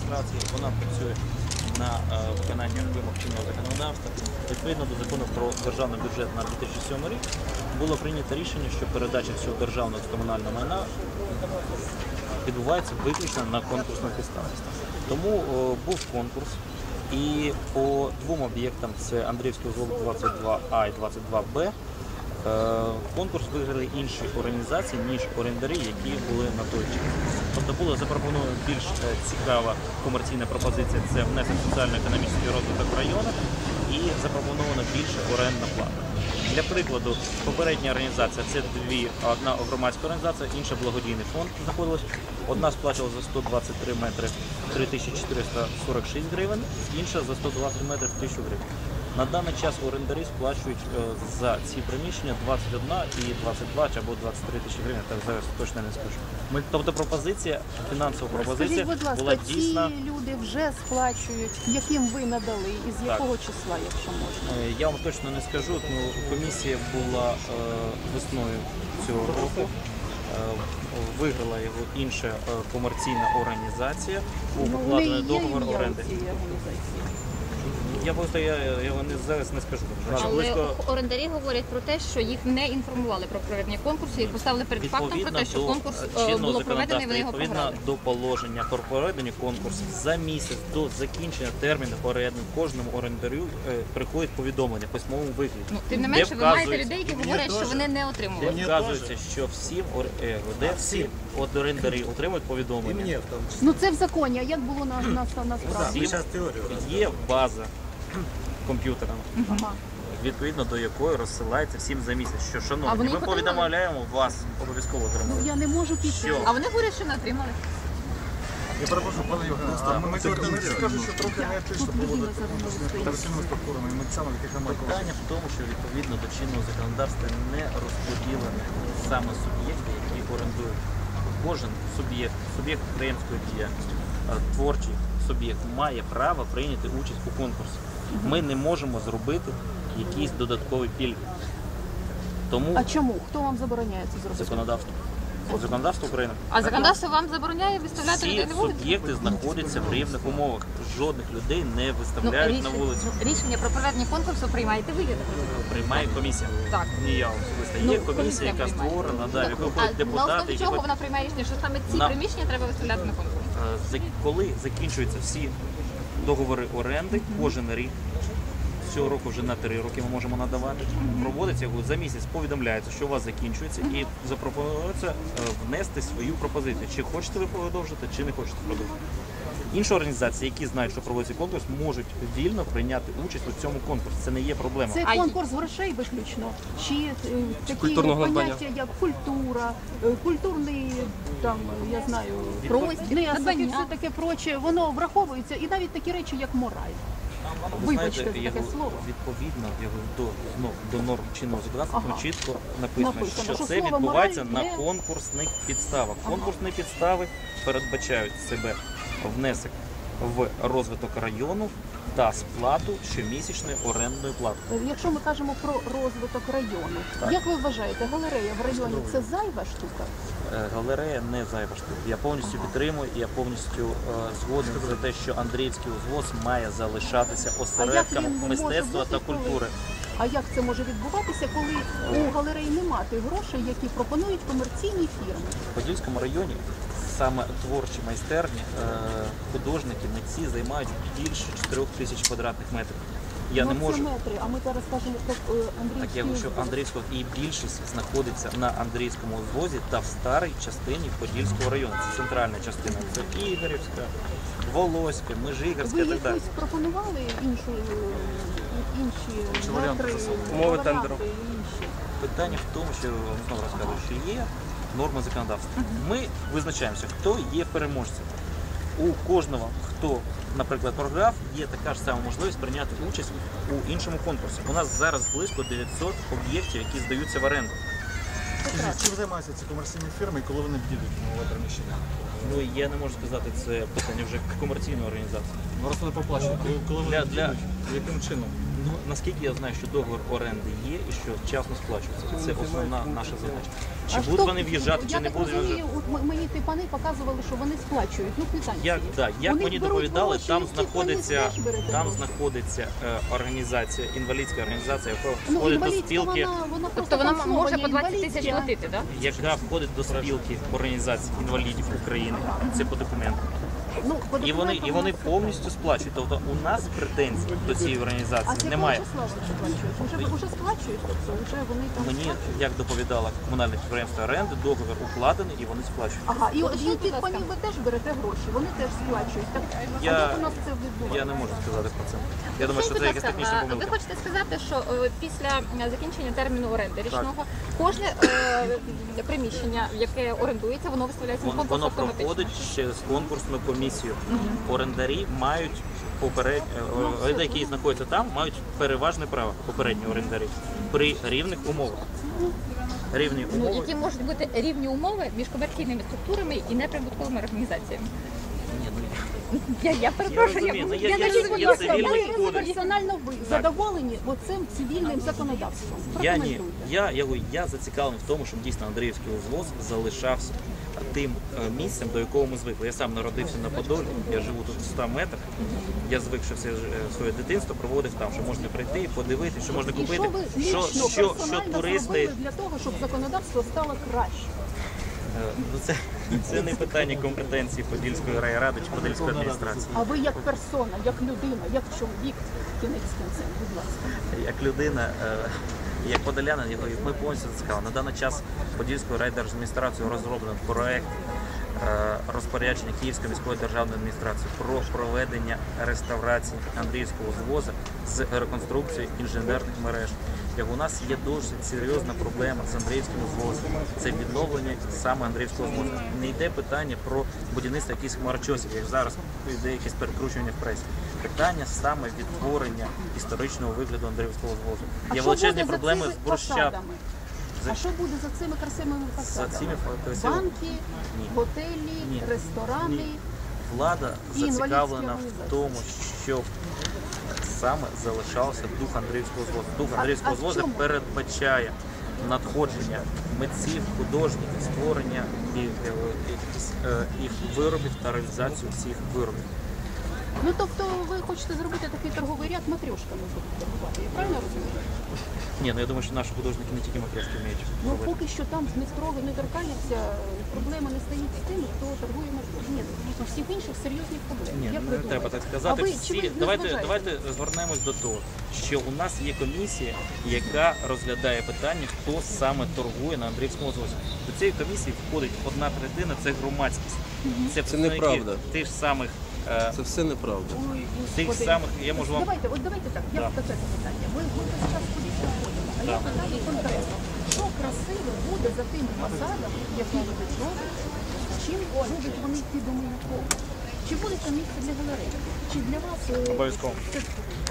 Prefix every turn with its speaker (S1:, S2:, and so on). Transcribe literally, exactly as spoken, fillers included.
S1: адміністрації, вона працює на е, виконання вимог чинного законодавства. Відповідно до закону про державний бюджет на дві тисячі сьомий рік було прийнято рішення, що передача всього державного та комунального майна відбувається виключно на конкурсних підставах. Тому о, був конкурс, і по двом об'єктам, це Андріївський узвол двадцять два А і двадцять два Б, е, конкурс виграли інші організації, ніж орендарі, які були на той час. Тобто була запропонована більш е, цікава комерційна пропозиція, це внесок соціально-економічний розвиток району, і запропонована більша орендна плата. Для прикладу, попередня організація – це дві, одна громадська організація, інша благодійний фонд знаходилась. Одна сплачувала за сто двадцять три метри три тисячі чотириста сорок шість гривень, інша за сто двадцять метрів тисячу гривень. На даний час орендарі сплачують е, за ці приміщення двадцять одна і двадцять два або двадцять три тисячі гривень, так зараз точно не скажу. Ми, тобто пропозиція, фінансова пропозиція
S2: Скажіть, будь ласка,
S1: була дійсно...
S2: ці люди вже сплачують, яким ви надали і з якого числа, якщо можна?
S1: Е, Я вам точно не скажу, ну, комісія була е, весною цього року. Виграла його інша комерційна організація, був
S2: Ну,
S1: укладений
S2: вони є
S1: договор
S2: ім'я
S1: оренди.
S2: у цієї організації?
S1: Я просто я, я його не, зараз не скажу.
S3: Але
S1: Близько,
S3: орендарі говорять про те, що їх не інформували про проведення конкурсу і поставили перед фактом про те, що
S1: до
S3: конкурс е,
S1: чинного
S3: було проведено і вони його
S1: відповідно
S3: програли.
S1: до положення про проведення конкурсу за місяць до закінчення терміну оренди кожному орендарю е, приходить повідомлення в письмовому вигляді.
S3: Ну, тим не
S1: де
S3: менше, ви маєте
S1: вказується-
S3: людей, які говорять, що вони не
S1: Де
S3: отримували.
S1: вказується, що всім ор- е, де всі от орендарі отримують повідомлення.
S2: Ну це в законі, а як було на, на, насправді?
S1: Всім є база комп'ютера,
S2: Ага.
S1: відповідно до якої розсилається всім за місяць. Що,
S3: А
S1: шановні,
S3: вони
S1: ми
S3: їх отримали?
S1: повідомляємо вас, обов'язково
S2: Ну
S1: отримали.
S2: я не можу піти.
S1: Що?
S3: А вони говорять, що не отримали.
S4: Я перепрошую, пане Євгене, а ми скажу, що трохи не етично проводити операційними структурами і митцями, яких немає коштів.
S1: Питання в тому, що відповідно до чинного законодавства не розподілені саме суб'єкти, які орендують. Кожен суб'єкт, суб'єкт підприємської діяльності, е, творчий суб'єкт має право прийняти участь у конкурсі. Ми не можемо зробити якісь додаткові пільги. Тому
S2: А чому? Хто вам забороняє це зробити?
S1: законодавство. Законодавство України.
S3: А законодавство вам забороняє виставляти
S1: Всі
S3: людей на вулицю?
S1: суб'єкти знаходяться в рівних умовах. Жодних людей не
S3: Ну,
S1: виставляють на
S3: рішення,
S1: вулицю.
S3: рішення про проведення конкурсу приймаєте ви, я так розумію?
S1: Приймає комісія.
S3: Так.
S1: Ні, я особисто.
S3: Ну,
S1: Є комісія,
S3: комісія
S1: яка
S3: приймає.
S1: створена, да, в яку
S3: А
S1: входять
S3: на
S1: депутати,
S3: основі
S1: які
S3: чого
S1: входять-
S3: вона приймає рішення, що саме ці
S1: На-
S3: приміщення треба виставляти на конкурс?
S1: Е, за- коли закінчуються всі договори оренди, кожен рік. Цього року вже на три роки ми можемо надавати. Проводиться його за місяць, повідомляється, що у вас закінчується, і запропонується е, внести свою пропозицію. Чи хочете ви продовжити, чи не хочете продовжити. Інші організації, які знають, що проводиться конкурс, можуть вільно прийняти участь у цьому конкурсі. Це не є проблема.
S2: Це
S3: А й-
S2: конкурс грошей виключно? Чи е, такі
S5: культурного надбання?
S2: поняття, як культура, е, культурний, там, я знаю,
S3: Простір,
S2: внесок і
S3: надбання.
S2: все таке проче, воно враховується, і навіть такі речі, як мораль.
S1: Ви
S2: Вибачте
S1: знаєте,
S2: за таке
S1: його
S2: слово.
S1: відповідно його до, ну, до норм чинного законодавства
S2: Ага.
S1: там чітко написано,
S2: Написано,
S1: що
S2: що
S1: це
S2: слово
S1: відбувається
S2: «мораль»
S1: на
S2: не-
S1: конкурсних підставах.
S2: Ага.
S1: Конкурсні підстави передбачають себе внесок в розвиток району та сплату щомісячної орендної плати.
S2: Е, Якщо ми кажемо про розвиток району,
S1: Так.
S2: як ви вважаєте, галерея в районі це зайва штука?
S1: Е, Галерея не зайва штука. Я повністю підтримую, і я повністю е, згоден за те, що Андріївський узвоз має залишатися осередком
S2: він може
S1: мистецтва
S2: бути,
S1: та
S2: коли-
S1: культури.
S2: А як це може відбуватися, коли у галереї немає тих грошей, які пропонують комерційні фірми?
S1: В Подільському районі саме творчі майстерні, е, художники, митці займають більше чотирьох тисяч квадратних метрів. Я
S2: ну,
S1: не можу.
S2: Це метри, а ми зараз кажемо про е, Андріївський
S1: Так я говорю, що
S2: узвоз.
S1: Андріївського і більшість знаходиться на Андріївському узвозі та в старій частині Подільського району. Це центральна частина. Це Ігорівська, Волоська, Межигірська
S2: Ви
S1: і так далі.
S2: якось пропонували іншу, е, інші
S4: варіанти
S2: метри,
S4: засобів?
S5: Умови
S2: варіанти
S5: тендеру.
S2: інші?
S1: Питання в тому, що я вам знову розказую, що є норми законодавства. Ми визначаємося, хто є переможцем. У кожного, хто, наприклад, програв, є така ж сама можливість прийняти участь у іншому конкурсі. У нас зараз близько дев'ятсот об'єктів, які здаються в оренду.
S4: Чим займаються ці комерційні фірми і коли вони б'ють нове приміщення?
S1: Ну я не можу сказати, це питання вже комерційної організації.
S4: Ну раз вони поплачують, коли, коли вони
S1: Для- для-
S4: б'ють, яким чином?
S1: Ну, наскільки я знаю, що договір оренди є і що вчасно сплачується. Це основна наша задача. Чи
S2: А
S1: будуть
S2: хто-
S1: вони в'їжджати,
S2: я
S1: чи не
S2: так
S1: будуть
S2: розумію,
S1: в'їжджати.
S2: от м- мені ті пани показували, що вони сплачують. Ну, квитанції.
S1: Як, да, як
S2: У них
S1: мені
S2: беруть
S1: доповідали,
S2: гроші,
S1: там
S2: і в тих
S1: знаходиться,
S2: панів теж берете
S1: там
S2: гроші.
S1: знаходиться е, організація, інвалідська організація, яка
S2: Ну,
S1: входить до
S2: інвалідська,
S1: спілки,
S2: вона, вона
S3: Тобто
S2: просто
S3: вона
S2: там слово
S3: може
S2: є
S3: по двадцять тисяч
S2: інвалідська.
S3: платити, так?
S1: яка входить до спілки організацій інвалідів України. Це по документам.
S2: Ну, по
S1: І вони, і
S2: документам
S1: вони
S2: у нас-
S1: повністю сплачують. Тобто у нас претензій до цієї
S2: А
S1: організації
S2: з якого
S1: немає.
S2: числа вони сплачують? Уже, уже сплачують, тобто вже вони там
S1: Мені,
S2: сплачують?
S1: як доповідала комунальне підприємство оренди, договір укладений і вони сплачують.
S2: Ага, і от
S3: Уточніть,
S2: від тих
S3: будь ласка.
S2: панів ви теж берете гроші, вони теж сплачують. Так, а
S1: Я-
S2: як у нас це відбувається?
S1: Я не можу сказати про це. Я думаю, що
S3: Скажіть,
S1: це
S3: будь
S1: якась
S3: ласка,
S1: технічна
S3: а ви
S1: помилка.
S3: хочете сказати, що е, після е, закінчення терміну оренди річного кожне е, приміщення, яке орендується, воно виставляється на
S1: Воно,
S3: конкурс
S1: воно
S3: автоматично?
S1: проходить через конкурсну комісію. Орендарі мають поперед...
S2: Ну,
S1: е, люди, які знаходяться там, мають переважне право попередні орендарі при рівних умовах. Рівні
S3: Ну,
S1: умови.
S3: які можуть бути рівні умови між комерційними структурами і неприбутковими організаціями.
S1: Ні, ну,
S3: Я, я перепрошую,
S1: розумію, ну, я-
S3: я
S1: я-
S3: кажу,
S1: я
S3: будь
S1: є
S3: ласка,
S1: цивільний
S3: ви-
S1: кодекс.
S2: Персонально ви задоволені оцим цивільним законодавством?
S1: Я ні,
S2: Прокоментуйте.
S1: я, я, говорю, я зацікавлений в тому, щоб дійсно Андріївський узвоз залишався тим е, місцем, до якого ми звикли. Я сам народився на Подолі, я живу тут в ста метрах. Я звик, що все ж- е, своє дитинство проводив там, що можна прийти, подивитися, що можна
S2: І що
S1: купити,
S2: ви
S1: що,
S2: лічно,
S1: що, що
S2: персонально
S1: туристи.
S2: зробили для того, щоб законодавство стало краще?
S1: Е, Ну, це, це не питання компетенції Подільської райради чи Подільської адміністрації.
S2: А ви як персона, як людина, як чоловік, кінець кінцем, будь ласка.
S1: Як людина, е, як подолянин, я говорю, ми повністю зацікавлені. На даний час Подільською райдержадміністрацією розроблено проект е, розпорядження Київської міської державної адміністрації про проведення реставрації Андріївського узвозу з реконструкцією інженерних мереж. Як у нас є досить серйозна проблема з Андріївським узвозом. Це відновлення саме Андріївського узвозу. Не йде питання про будівництво якихось хмарочосів, як зараз йде якесь перекручування в пресі. Питання саме відтворення історичного вигляду Андріївського узвозу.
S2: А
S1: Є
S2: що
S1: величезні
S2: буде за
S1: проблеми
S2: цими
S1: з брусчатками.
S2: фасадами? А що буде за цими красивими фасадами?
S1: цими фа- красивими-
S2: Банки,
S1: Ні.
S2: готелі,
S1: Ні.
S2: ресторани.
S1: Ні. Влада
S2: І інвалідські
S1: зацікавлена в
S2: організації.
S1: тому, щоб саме залишався дух Андріївського звозу. Дух
S2: А-
S1: Андріївського
S2: а в
S1: звозу
S2: чому?
S1: передбачає надходження митців, художників, створення і, е, якихось, е, їх виробів та реалізацію всіх виробів.
S2: Ну тобто ви хочете зробити такий торговий ряд матрьошками будуть торгувати, я правильно розумію?
S1: Ні, ну я думаю, що наші художники не тільки макряски вміють
S2: Ну
S1: робити.
S2: поки що там не строго не торкаються, проблема не стоїть з тим, хто торгує матрьошками. Ні, у всіх інших серйозні проблеми.
S1: Ні,
S2: Як
S1: ну,
S2: ви
S1: не треба
S2: думаєте?
S1: так сказати.
S2: А ви, чи
S1: Всі...
S2: ви не
S1: Давайте,
S2: зважаєте?
S1: давайте звернемось до того, що у нас є комісія, яка розглядає питання, хто саме торгує на Андріївському звозі. До цієї комісії входить одна третина, це громадськість. Це представники
S5: неправда.
S1: тих самих, е,
S5: Це все неправда.
S2: Ой,
S1: тих
S2: Господи.
S1: самих, я можу вам
S2: Давайте, от давайте так, я
S1: Да.
S2: таке запитання. Ви ми весь час кудись виходимо, а я
S1: Да.
S2: питаю конкретно, що красиво буде за тим фасадом, який будуть робити, чим будуть вони йти до Милюкова? Чи буде там місце для галереї? Чи для вас е,
S1: Обов'язково.
S2: це